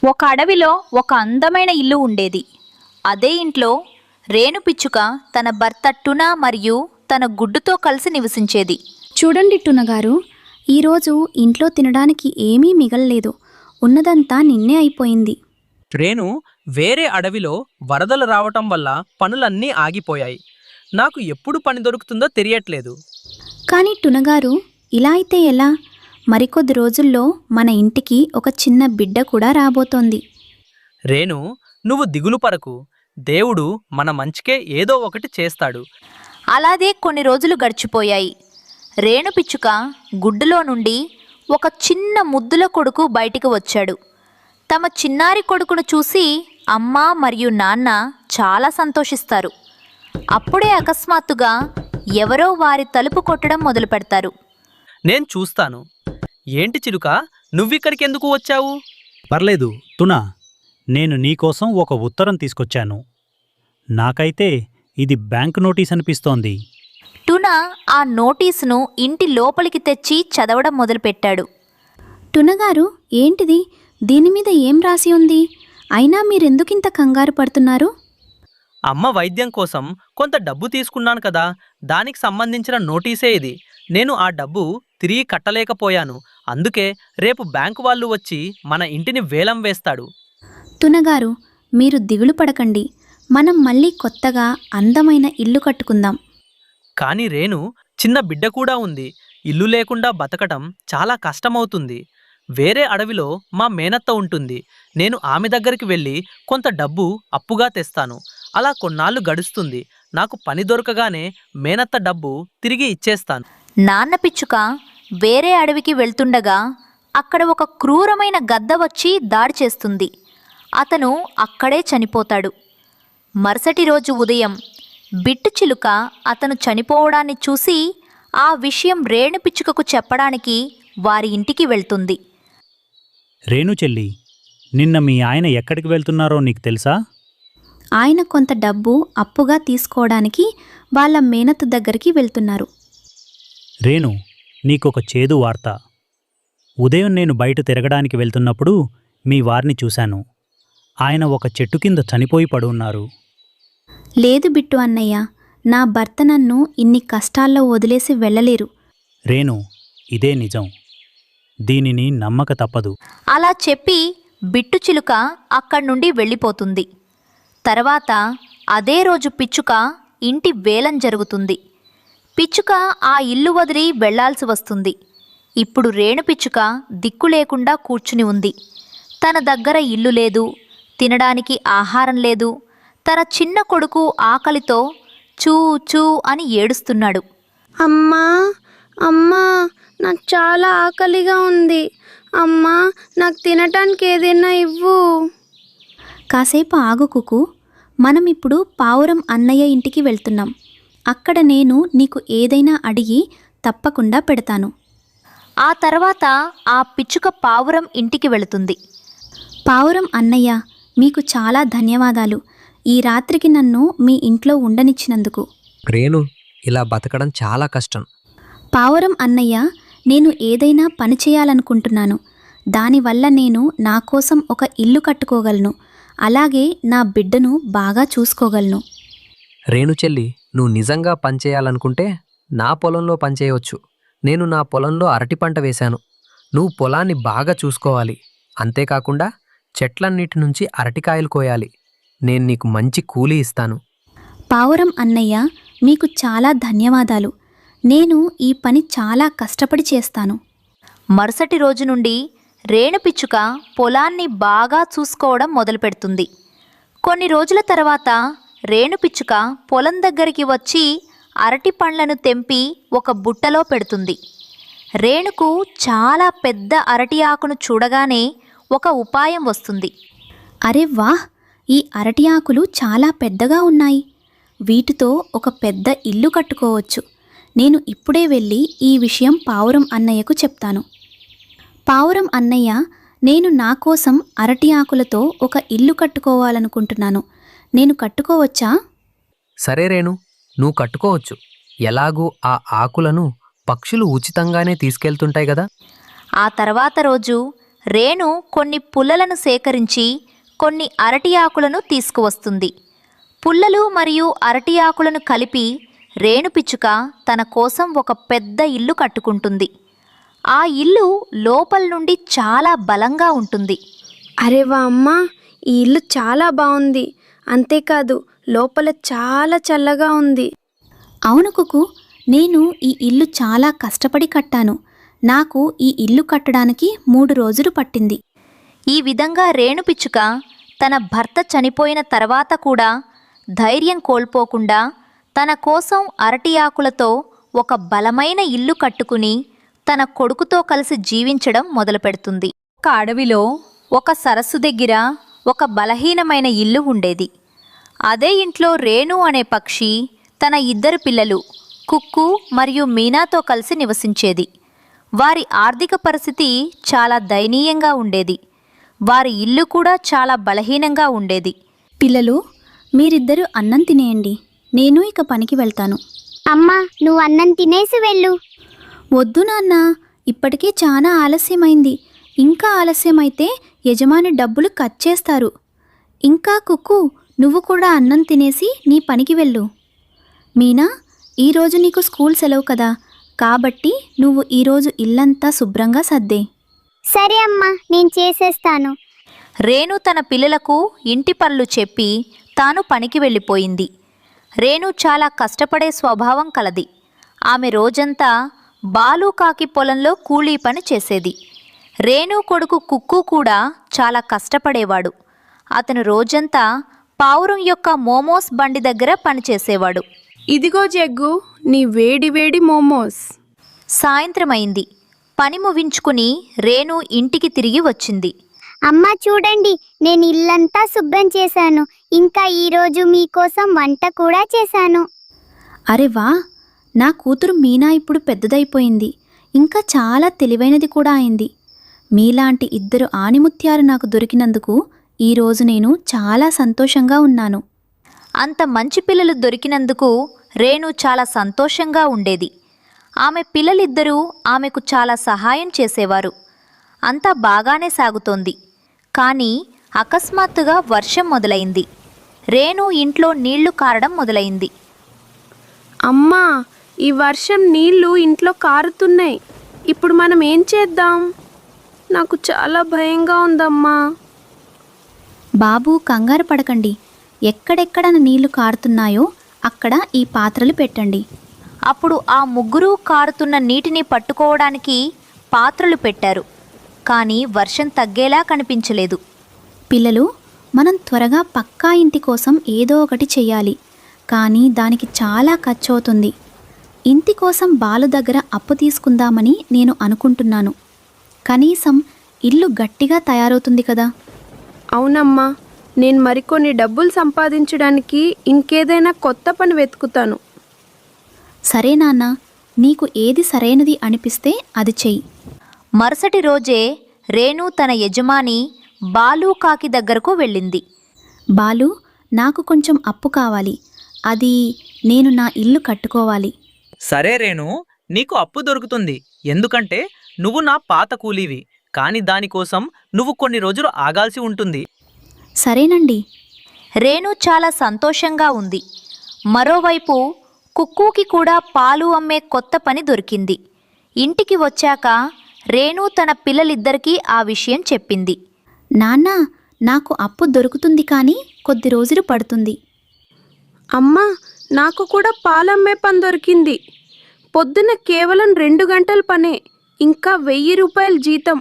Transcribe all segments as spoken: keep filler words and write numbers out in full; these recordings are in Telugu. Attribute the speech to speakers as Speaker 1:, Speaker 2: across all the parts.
Speaker 1: ఒక అడవిలో ఒక అందమైన ఇల్లు ఉండేది. అదే ఇంట్లో రేణు పిచ్చుక తన భర్త టునా మరియు తన గుడ్డుతో కలిసి నివసించేది.
Speaker 2: చూడండి టునగారు, ఈరోజు ఇంట్లో తినడానికి ఏమీ మిగల్లేదు. ఉన్నదంతా నిన్నే అయిపోయింది.
Speaker 3: రేణు వేరే అడవిలో వరదలు రావటం వల్ల పనులన్నీ ఆగిపోయాయి. నాకు ఎప్పుడు పని దొరుకుతుందో తెలియట్లేదు.
Speaker 2: కానీ టునగారు, ఇలా అయితే ఎలా? మరికొద్ది రోజుల్లో మన ఇంటికి ఒక చిన్న బిడ్డ కూడా రాబోతోంది.
Speaker 3: రేణు, నువ్వు దిగులు పరకు. దేవుడు మన మంచికే ఏదో ఒకటి చేస్తాడు.
Speaker 1: అలాగే కొన్ని రోజులు గడిచిపోయాయి. రేణు పిచ్చుక గుడ్డులో నుండి ఒక చిన్న ముద్దుల కొడుకు బయటికి వచ్చాడు. తమ చిన్నారి కొడుకును చూసి అమ్మ మరియు నాన్న చాలా సంతోషిస్తారు. అప్పుడే అకస్మాత్తుగా ఎవరో వారి తలుపు కొట్టడం మొదలు పెడతారు.
Speaker 3: నేను చూస్తాను. ఏంటి చిలుక, నువ్విక్కడికి ఎందుకు వచ్చావు?
Speaker 4: పర్లేదు టునా, నేను నీకోసం ఒక ఉత్తరం తీసుకొచ్చాను. నాకైతే ఇది బ్యాంక్ నోటీస్ అనిపిస్తోంది.
Speaker 1: టునా ఆ నోటీసును ఇంటి లోపలికి తెచ్చి చదవడం మొదలుపెట్టాడు.
Speaker 2: టునగారు, ఏంటిది? దీని మీద ఏం రాసి ఉంది? అయినా మీరెందుకింత కంగారు పడుతున్నారు?
Speaker 3: అమ్మ వైద్యం కోసం కొంత డబ్బు తీసుకున్నాను కదా, దానికి సంబంధించిన నోటీసే ఇది. నేను ఆ డబ్బు తిరిగి కట్టలేకపోయాను. అందుకే రేపు బ్యాంకు వాళ్ళు వచ్చి మన ఇంటిని వేలం వేస్తాడు.
Speaker 2: టునగారు, మీరు దిగులు పడకండి. మనం మళ్ళీ కొత్తగా అందమైన ఇల్లు కట్టుకుందాం.
Speaker 3: కానీ రేణు, చిన్న బిడ్డ కూడా ఉంది. ఇల్లు లేకుండా బతకటం చాలా కష్టమవుతుంది. వేరే అడవిలో మా మేనత్త ఉంటుంది. నేను ఆమె దగ్గరికి వెళ్ళి కొంత డబ్బు అప్పుగా తెస్తాను. అలా కొన్నాళ్ళు గడుస్తుంది. నాకు పని దొరకగానే మేనత్త డబ్బు తిరిగి ఇచ్చేస్తాను.
Speaker 1: నాన్న పిచ్చుక వేరే అడవికి వెళ్తుండగా అక్కడ ఒక క్రూరమైన గద్ద వచ్చి దాడి చేస్తుంది. అతను అక్కడే చనిపోతాడు. మరుసటి రోజు ఉదయం బిట్టు చిలుక అతను చనిపోవడాన్ని చూసి ఆ విషయం రేణు పిచ్చుకకు చెప్పడానికి వారి ఇంటికి వెళ్తుంది.
Speaker 4: రేణు చెల్లి, నిన్న మీ ఆయన ఎక్కడికి వెళ్తున్నారో నీకు తెలుసా?
Speaker 2: ఆయన కొంత డబ్బు అప్పుగా తీసుకోవడానికి వాళ్ళ మేనత్త దగ్గరికి వెళ్తున్నారు.
Speaker 4: రేణు, నీకొక చేదు వార్త. ఉదయం నేను బయట తిరగడానికి వెళ్తున్నప్పుడు మీ వారిని చూశాను. ఆయన ఒక చెట్టు కింద చనిపోయి పడున్నారు.
Speaker 2: లేదు బిట్టు అన్నయ్య, నా భర్త నన్ను ఇన్ని కష్టాల్లో వదిలేసి వెళ్ళలేరు.
Speaker 4: రేణు, ఇదే నిజం. దీనిని నమ్మక తప్పదు.
Speaker 1: అలా చెప్పి బిట్టు చిలుక అక్కడి నుండి వెళ్ళిపోతుంది. తర్వాత అదే రోజు పిచ్చుక ఇంటి వేలం జరుగుతుంది. పిచ్చుక ఆ ఇల్లు వదిలి వెళ్లాల్సి వస్తుంది. ఇప్పుడు రేణు పిచ్చుక దిక్కు లేకుండా కూర్చుని ఉంది. తన దగ్గర ఇల్లు లేదు, తినడానికి ఆహారం లేదు. తన చిన్న కొడుకు ఆకలితో చూ చూ అని ఏడుస్తున్నాడు.
Speaker 5: అమ్మా అమ్మా, నాకు చాలా ఆకలిగా ఉంది. అమ్మా, నాకు తినటానికి ఏదైనా ఇవ్వు.
Speaker 2: కాసేపు ఆగు కుకు. మనం ఇప్పుడు పావురం అన్నయ్య ఇంటికి వెళ్తున్నాం. అక్కడ నేను నీకు ఏదైనా అడిగి తప్పకుండా పెడతాను.
Speaker 1: ఆ తర్వాత ఆ పిచ్చుక పావురం ఇంటికి వెళుతుంది.
Speaker 2: పావురం అన్నయ్య, మీకు చాలా ధన్యవాదాలు. ఈ రాత్రికి నన్ను మీ ఇంట్లో ఉండనిచ్చినందుకు.
Speaker 6: రేణు, ఇలా బతకడం చాలా కష్టం.
Speaker 2: పావురం అన్నయ్య, నేను ఏదైనా పని చేయాలనుకుంటున్నాను. దానివల్ల నేను నా కోసం ఒక ఇల్లు కట్టుకోగలను. అలాగే నా బిడ్డను బాగా చూసుకోగలను.
Speaker 6: రేణు చెల్లి, నువ్వు నిజంగా పనిచేయాలనుకుంటే నా పొలంలో పనిచేయవచ్చు. నేను నా పొలంలో అరటి పంట వేశాను. నువ్వు పొలాన్ని బాగా చూసుకోవాలి. అంతేకాకుండా చెట్లన్నిటి నుంచి అరటికాయలు కోయాలి. నేను నీకు మంచి కూలీ ఇస్తాను.
Speaker 2: పావురం అన్నయ్య, మీకు చాలా ధన్యవాదాలు. నేను ఈ పని చాలా కష్టపడి చేస్తాను.
Speaker 1: మరుసటి రోజు నుండి రేణు పిచ్చుక పొలాన్ని బాగా చూసుకోవడం మొదలుపెడుతుంది. కొన్ని రోజుల తర్వాత రేణు పిచ్చుక పొలం దగ్గరికి వచ్చి అరటి పండ్లను తెంపి ఒక బుట్టలో పెడుతుంది. రేణుకు చాలా పెద్ద అరటి ఆకును చూడగానే ఒక ఉపాయం వస్తుంది.
Speaker 2: అరే వాహ్, ఈ అరటి ఆకులు చాలా పెద్దగా ఉన్నాయి. వీటితో ఒక పెద్ద ఇల్లు కట్టుకోవచ్చు. నేను ఇప్పుడే వెళ్ళి ఈ విషయం పావురం అన్నయ్యకు చెప్తాను. పావురం అన్నయ్య, నేను నా కోసం అరటి ఆకులతో ఒక ఇల్లు కట్టుకోవాలనుకుంటున్నాను. నేను కట్టుకోవచ్చా?
Speaker 6: సరే రేణు, నువ్వు కట్టుకోవచ్చు. ఎలాగూ ఆ ఆకులను పక్షులు ఉచితంగానే తీసుకెళ్తుంటాయి కదా.
Speaker 1: ఆ తర్వాత రోజు రేణు కొన్ని పుల్లలను సేకరించి కొన్ని అరటి ఆకులను తీసుకువస్తుంది. పుల్లలు మరియు అరటి ఆకులను కలిపి రేణు పిచ్చుక తన కోసం ఒక పెద్ద ఇల్లు కట్టుకుంటుంది. ఆ ఇల్లు లోపల నుండి చాలా బలంగా ఉంటుంది.
Speaker 5: అరే వా అమ్మ, ఈ ఇల్లు చాలా బాగుంది. అంతేకాదు లోపల చాలా చల్లగా ఉంది.
Speaker 2: అవును కుకు, నేను ఈ ఇల్లు చాలా కష్టపడి కట్టాను. నాకు ఈ ఇల్లు కట్టడానికి మూడు రోజులు పట్టింది.
Speaker 1: ఈ విధంగా రేణు పిచ్చుక తన భర్త చనిపోయిన తర్వాత కూడా ధైర్యం కోల్పోకుండా తన కోసం అరటి ఆకులతో ఒక బలమైన ఇల్లు కట్టుకుని తన కొడుకుతో కలిసి జీవించడం మొదలుపెడుతుంది. ఒక అడవిలో ఒక సరస్సు దగ్గర ఒక బలహీనమైన ఇల్లు ఉండేది. అదే ఇంట్లో రేణు అనే పక్షి తన ఇద్దరు పిల్లలు కుక్కు మరియు మీనాతో కలిసి నివసించేది. వారి ఆర్థిక పరిస్థితి చాలా దయనీయంగా ఉండేది. వారి ఇల్లు కూడా చాలా బలహీనంగా ఉండేది.
Speaker 2: పిల్లలు, మీరిద్దరూ అన్నం తినేయండి. నేను ఇక పనికి వెళ్తాను.
Speaker 7: అమ్మా, నువ్వు అన్నం తినేసి వెళ్ళు.
Speaker 2: వద్దు నాన్న, ఇప్పటికే చాలా ఆలస్యమైంది. ఇంకా ఆలస్యమైతే యజమాని డబ్బులు కట్ చేస్తారు. ఇంకా కుక్కు, నువ్వు కూడా అన్నం తినేసి నీ పనికి వెళ్ళు. మీనా, ఈరోజు నీకు స్కూల్ సెలవు కదా, కాబట్టి నువ్వు ఈరోజు ఇల్లంతా శుభ్రంగా సర్దే.
Speaker 7: సరే అమ్మా, నేను చేసేస్తాను.
Speaker 1: రేణు తన పిల్లలకు ఇంటి పనులు చెప్పి తాను పనికి వెళ్ళిపోయింది. రేణు చాలా కష్టపడే స్వభావం కలది. ఆమె రోజంతా బాలుకాకి పొలంలో కూలీ పని చేసేది. రేణు కొడుకు కుక్కు కూడా చాలా కష్టపడేవాడు. అతను రోజంతా పావురం యొక్క మోమోస్ బండి దగ్గర పనిచేసేవాడు.
Speaker 5: ఇదిగో జగ్గు, నీ వేడి వేడి మోమోస్.
Speaker 1: సాయంత్రమైంది. పని ముగించుకుని రేణు ఇంటికి తిరిగి వచ్చింది.
Speaker 7: అమ్మా చూడండి, నేను ఇల్లంతా శుభ్రం చేశాను. ఇంకా ఈరోజు మీకోసం వంట కూడా చేశాను.
Speaker 2: అరే వా, నా కూతురు మీనా ఇప్పుడు పెద్దదైపోయింది. ఇంకా చాలా తెలివైనది కూడా అయింది. మీలాంటి ఇద్దరు ఆణిముత్యాలు నాకు దొరికినందుకు ఈరోజు నేను చాలా సంతోషంగా ఉన్నాను.
Speaker 1: అంత మంచి పిల్లలు దొరికినందుకు రేణు చాలా సంతోషంగా ఉండేది. ఆమె పిల్లలిద్దరూ ఆమెకు చాలా సహాయం చేసేవారు. అంతా బాగానే సాగుతోంది. కానీ అకస్మాత్తుగా వర్షం మొదలైంది. రేణు ఇంట్లో నీళ్లు కారడం మొదలైంది.
Speaker 5: అమ్మా, ఈ వర్షం నీళ్లు ఇంట్లో కారుతున్నాయి. ఇప్పుడు మనం ఏం చేద్దాం? నాకు చాలా భయంగా ఉందమ్మా.
Speaker 2: బాబు, కంగారు పడకండి. ఎక్కడెక్కడ నీళ్లు కారుతున్నాయో అక్కడ ఈ పాత్రలు పెట్టండి.
Speaker 1: అప్పుడు ఆ ముగ్గురు కారుతున్న నీటిని పట్టుకోవడానికి పాత్రలు పెట్టారు. కానీ వర్షం తగ్గేలా కనిపించలేదు.
Speaker 2: పిల్లలు, మనం త్వరగా పక్కా ఇంటి కోసం ఏదో ఒకటి చెయ్యాలి. కానీ దానికి చాలా ఖర్చు అవుతుంది. ఇంటి కోసం బాలు దగ్గర అప్పు తీసుకుందామని నేను అనుకుంటున్నాను. కనీసం ఇల్లు గట్టిగా తయారవుతుంది కదా.
Speaker 5: అవునమ్మా, నేను మరికొన్ని డబ్బులు సంపాదించడానికి ఇంకేదైనా కొత్త పని వెతుకుతాను.
Speaker 2: సరే నాన్న, నీకు ఏది సరైనది అనిపిస్తే అది చెయ్యి.
Speaker 1: మరుసటి రోజే రేణు తన యజమాని బాలుకాకి దగ్గరకు వెళ్ళింది.
Speaker 2: బాలు, నాకు కొంచెం అప్పు కావాలి. అది నేను నా ఇల్లు కట్టుకోవాలి.
Speaker 3: సరే రేణు, నీకు అప్పు దొరుకుతుంది. ఎందుకంటే నువ్వు నా పాత కూలీవి. కానీ దానికోసం నువ్వు కొన్ని రోజులు ఆగాల్సి ఉంటుంది.
Speaker 2: సరేనండి.
Speaker 1: రేణు చాలా సంతోషంగా ఉంది. మరోవైపు కుక్కుకి కూడా పాలు అమ్మే కొత్త పని దొరికింది. ఇంటికి వచ్చాక రేణు తన పిల్లలిద్దరికీ ఆ విషయం చెప్పింది.
Speaker 2: నాన్న, నాకు అప్పు దొరుకుతుంది కానీ కొద్ది రోజులు పడుతుంది.
Speaker 5: అమ్మా, నాకు కూడా పాలమ్మే పని దొరికింది. పొద్దున కేవలం రెండు గంటల పనే, ఇంకా వెయ్యి రూపాయల జీతం.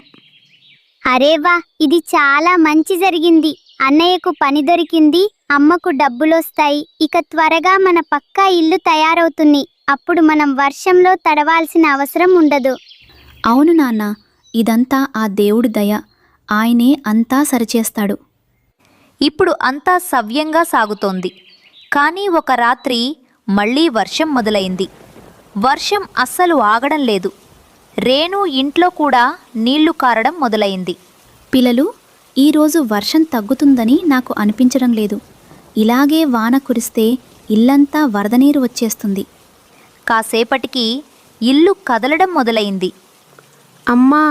Speaker 7: అరేవా, ఇది చాలా మంచి జరిగింది. అన్నయ్యకు పని దొరికింది, అమ్మకు డబ్బులొస్తాయి. ఇక త్వరగా మన పక్కా ఇల్లు తయారవుతుంది. అప్పుడు మనం వర్షంలో తడవాల్సిన అవసరం ఉండదు.
Speaker 2: అవును నాన్న, ఇదంతా ఆ దేవుడి దయ. ఆయనే అంతా సరిచేస్తాడు.
Speaker 1: ఇప్పుడు అంతా సవ్యంగా సాగుతోంది. కానీ ఒక రాత్రి మళ్ళీ వర్షం మొదలైంది. వర్షం అస్సలు ఆగడం లేదు. రేణు ఇంట్లో కూడా నీళ్లు కారడం మొదలైంది.
Speaker 2: పిల్లలు, ఈరోజు వర్షం తగ్గుతుందని నాకు అనిపించడం లేదు. ఇలాగే వాన కురిస్తే ఇల్లంతా వరద నీరు వచ్చేస్తుంది.
Speaker 1: కాసేపటికి ఇల్లు కదలడం మొదలైంది.
Speaker 5: అమ్మా,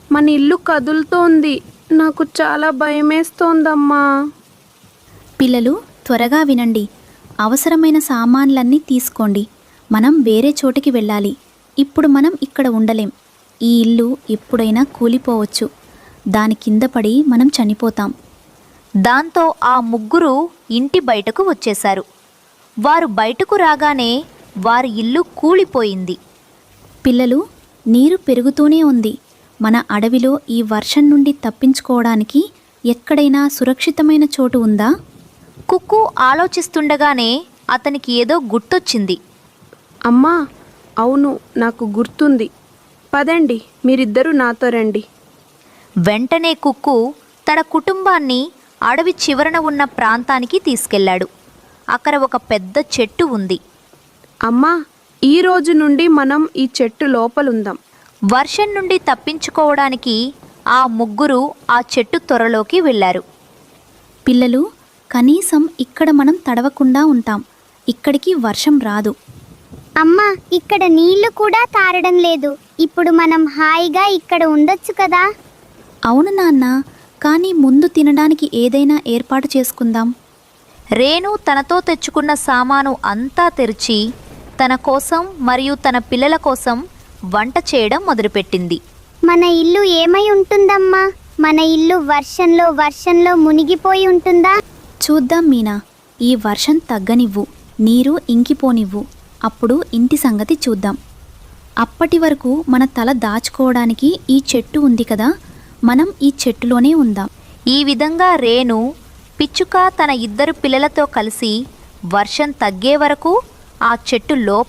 Speaker 5: మన ఇల్లు కదులుతోంది. నాకు చాలా భయమేస్తోందమ్మా.
Speaker 2: పిల్లలు త్వరగా వినండి. అవసరమైన సామాన్లన్నీ తీసుకోండి. మనం వేరే చోటికి వెళ్ళాలి. ఇప్పుడు మనం ఇక్కడ ఉండలేం. ఈ ఇల్లు ఎప్పుడైనా కూలిపోవచ్చు. దాని కింద పడి మనం చనిపోతాం.
Speaker 1: దాంతో ఆ ముగ్గురు ఇంటి బయటకు వచ్చేశారు. వారు బయటకు రాగానే వారి ఇల్లు కూలిపోయింది.
Speaker 2: పిల్లలు, నీరు పెరుగుతూనే ఉంది. మన అడవిలో ఈ వర్షం నుండి తప్పించుకోవడానికి ఎక్కడైనా సురక్షితమైన చోటు ఉందా?
Speaker 1: కుక్కు ఆలోచిస్తుండగానే అతనికి ఏదో గుర్తొచ్చింది.
Speaker 5: అమ్మా, అవును, నాకు గుర్తుంది. పదండి, మీరిద్దరూ నాతో రండి.
Speaker 1: వెంటనే కుక్కు తన కుటుంబాన్ని అడవి చివరన ఉన్న ప్రాంతానికి తీసుకెళ్ళాడు. అక్కడ ఒక పెద్ద చెట్టు ఉంది.
Speaker 5: అమ్మా, ఈ రోజు నుండి మనం ఈ చెట్టు లోపలుందాం.
Speaker 1: వర్షం నుండి తప్పించుకోవడానికి ఆ ముగ్గురు ఆ చెట్టు త్వరలోకి వెళ్ళారు.
Speaker 2: పిల్లలు, కనీసం ఇక్కడ మనం తడవకుండా ఉంటాం. ఇక్కడికి వర్షం రాదు.
Speaker 7: అమ్మా, ఇక్కడ నీళ్లు కూడా తారడం లేదు. ఇప్పుడు మనం హాయిగా ఇక్కడ ఉండొచ్చు కదా.
Speaker 2: అవును నాన్న, కానీ ముందు తినడానికి ఏదైనా ఏర్పాటు చేసుకుందాం.
Speaker 1: రేణు తనతో తెచ్చుకున్న సామాను అంతా తెరిచి తన కోసం మరియు తన పిల్లల కోసం వంట చేయడం మొదలుపెట్టింది.
Speaker 7: మన ఇల్లు ఏమై ఉంటుందమ్మా? మన ఇల్లు వర్షంలో వర్షంలో మునిగిపోయి ఉంటుందా?
Speaker 2: చూద్దాం మీనా. ఈ వర్షం తగ్గనివ్వు, నీరు ఇంకిపోనివ్వు. అప్పుడు ఇంటి సంగతి చూద్దాం. అప్పటి వరకు మన తల దాచుకోవడానికి ఈ చెట్టు ఉంది కదా, మనం ఈ చెట్టులోనే ఉందాం.
Speaker 1: ఈ విధంగా రేణు, పిచ్చుక తన ఇద్దరు పిల్లలతో కలిసి వర్షం తగ్గే వరకు ఆ చెట్టు లోపల